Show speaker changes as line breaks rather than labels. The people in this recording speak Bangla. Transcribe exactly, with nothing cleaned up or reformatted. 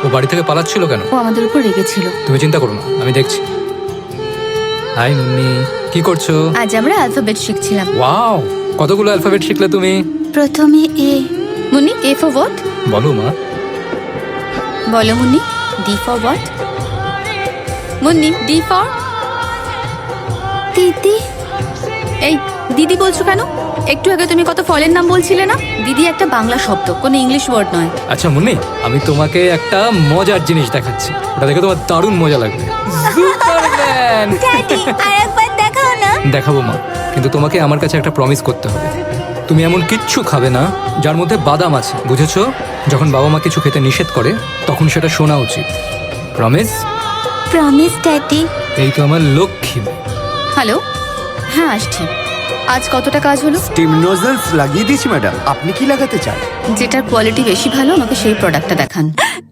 ও বাড়ি থেকে পালাচ্ছিল কেন?
ও আমাদের উপর রেগেছিল।
তুমি চিন্তা করো না, আমি দেখছি। হাই মুন্নি, কি করছো?
আজ আমরা অ্যালফাবেট শিখছিলাম।
ওয়াও, কতগুলো অ্যালফাবেট শিখলে তুমি?
প্রথমে A. Munni, A for what?
বলো মা।
বলো Munni. D for what? Munni, D for দিদি। এই দিদি বলছো কেন? একটু আগে তুমি কত ফলের নাম বলছিলে না? দিদি একটা বাংলা শব্দ, কোনো ইংলিশ ওয়ার্ড নয়।
আচ্ছা মুন্নি, আমি তোমাকে একটা মজার জিনিস দেখাচ্ছি, ওটা দেখে তোমার দারুণ মজা লাগবে। সুপারম্যান!
ড্যাডি, আরেকবার দেখাও না।
দেখাবো মা, কিন্তু তোমাকে আমার কাছে একটা প্রমিস করতে হবে। তুমি এমন কিচ্ছু খাবে না যার মধ্যে বাদাম আছে, বুঝেছো? যখন বাবা মা কিছু খেতে নিষেধ করে তখন সেটা শোনা উচিত। প্রমিস?
Promise daddy.
এই তো আমার লক্ষ্মী।
হ্যালো, হ্যাঁ আসছি। আজ কতটা কাজ হলো?
স্টিম নোজলস লাগিয়ে দিয়েছি ম্যাডাম, আপনি কি লাগাতে চান?
যেটার কোয়ালিটি বেশি ভালো আমাকে সেই প্রোডাক্টটা দেখান।